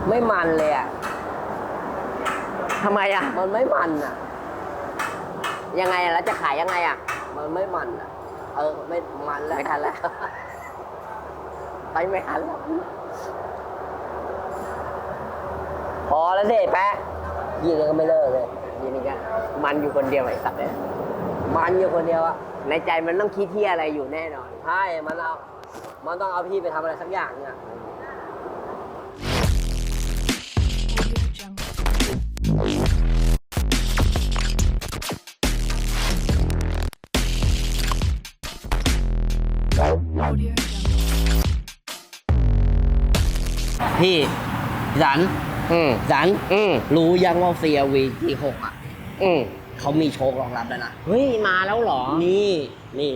ไม่มันเลยอ่ะทำไมอ่ะมันไม่มันอ่ะยังไงอ่ะแล้วจะขายยังไงอ่ะมันไม่มันอ่ะ ไม่มันแล้วไม่ทันแล้ว ไปไม่ทันแล้ว พอแล้วสิแป๊ะยิงก็ไม่เลิกเลยยีนี่ก็มันอยู่คนเดียวไอ้สัตว์เนี่ยมันอยู่คนเดียวอ่ะในใจมันต้องคิดที่อะไรอยู่แน่นอนใช่มันต้องเอาพี่ไปทำอะไรสักอย่างเนี่ยพี่สันอืมสันอืมรู้ยังว่า CRV G6 อ่ะอืมเขามีโชครองรับแล้วนะเฮ้ยมาแล้วเหรอนี่นี่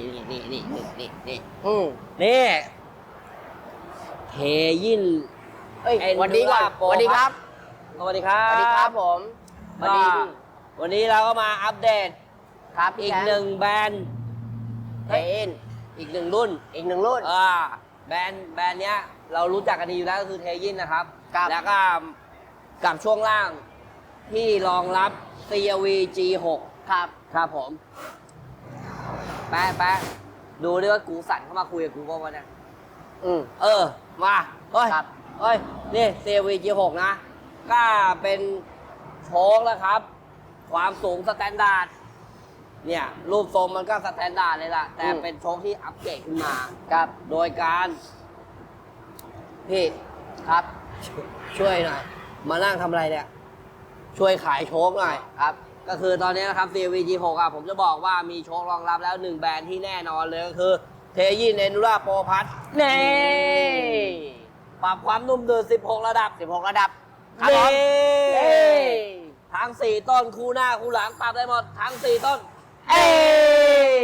เทยินเอ้ยสวัสดีก่อน Endura Pro สวัสดีครับสวัสดีครับสวัสดีครับผมสวัสดีวันนี้เราก็มาอัปเดตครับพี่อีกแชมป์หนึ่งแบรนด์เทนอีกหนึ่งรุ่นอีกหนึ่งรุ่นแบรนด์เนี้ยเรารู้จักกันดีอยู่แล้วก็คือเทยินนะครับครับแล้วก็กับช่วงล่างที่รองรับ CRV G6 ครับครับผม แป๊ะดูดิว่ากูสั่นเข้ามาคุยกับกูว่าเนี่ยอืมมาเฮ้ยครับเฮ้ย นี่ CRV G6 นะ ก็เป็นโชคแล้วครับ ความสูงสแตนดาร์ด เนี่ย รูปทรงมันก็สแตนดาร์ดเลยล่ะ แต่เป็นโชคที่อัปเกรดขึ้นมาครับโดยการ พี่ครับช่วยหน่อย มานั่งทำอะไรเนี่ย ช่วยขายโชคหน่อยครับก็คือตอนนี้นะครับ CRV G6 อ่ะผมจะบอกว่ามีโชครองรับแล้วหนึ่งแบรนด์ที่แน่นอนเลยก็คือเทยิน Endura Pro Plus เน่ปรับความนุ่มดืด16 ระดับ 16 ระดับ ครับผมนี่เอ้ยทั้ง 4 ต้นคู่หน้าคู่หลังปรับได้หมด ทั้ง 4 ต้นเอ้ย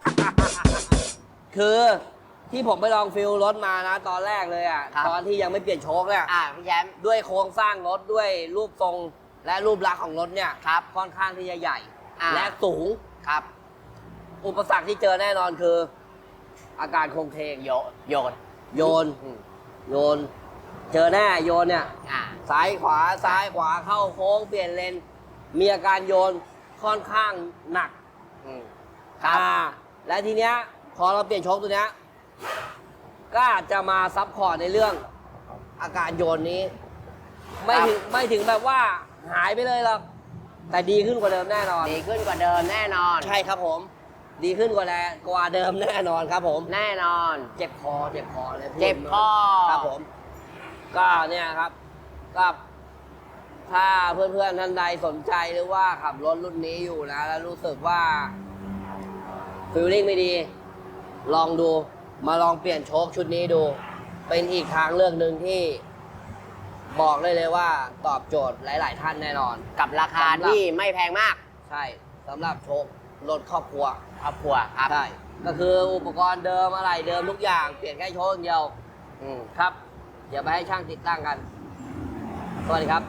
คือที่ผมไปลองฟิลรถมานะ ตอนแรกเลยอ่ะครับตอนที่ยังไม่เปลี่ยนโชคเนี่ยพี่แชมป์ด้วยโครงสร้างรถด้วยรูปทรงและรูปลักษณ์ของรถเนี่ยครับค่อนข้างที่จะใหญ่อ่าและสูงครับอุปสรรคที่เจอแน่นอนคือ อาการโครงเคงโยนโยน โยน เจอแน่โยนเนี่ยอ่าซ้ายขวาเข้าโค้งเปลี่ยนเลน มีอาการโยนค่อนข้างหนักครับและทีเนี้ยพอเราเปลี่ยนโชคตัวเนี้ยก็จะมาซับพอร์ตในเรื่องอาการโยนนี้ ไม่ถึงแบบว่าหายไปเลยหรอกแต่ดีขึ้นกว่าเดิมแน่นอนดีขึ้นกว่าเดิมแน่นอนใช่ครับผม ดีขึ้นกว่าเดิมแน่นอนครับผมแน่นอนเจ็บคอเลยพูดเจ็บคอครับผม ก็เนี่ยครับก็ถ้าเพื่อนๆท่านใดสนใจหรือว่าขับรถรุ่นนี้อยู่นะ แล้วรู้สึกว่าฟีลลิ่งไม่ดี ลองดูมาลองเปลี่ยนโชคชุดนี้ดู เป็นอีกทางเลือกหนึ่งที่บอกได้เลยว่าตอบโจทย์หลาย ๆ ท่านแน่นอนกับราคาที่ไม่แพงมากใช่สำหรับโชครถครอบครัวครอบครัวครับใช่ก็คืออุปกรณ์เดิมอะไรเดิมทุกอย่างเปลี่ยนแค่โชคอย่างเดียว ครับ เดี๋ยวไปให้ช่างติดตั้งกัน สวัสดีครับ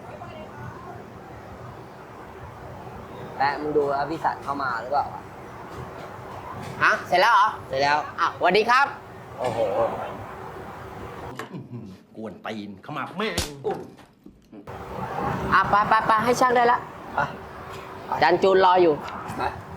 และมึงดูแล้วพี่สัตว์เข้ามาหรือเปล่าฮะ เสร็จแล้วเหรอเสร็จแล้วอ่ะสวัสดีครับโอ้โหกวนตีนเข้ามาแม่งอ่ะไปให้ช่างได้ละไปจันจูนรออยู่ไป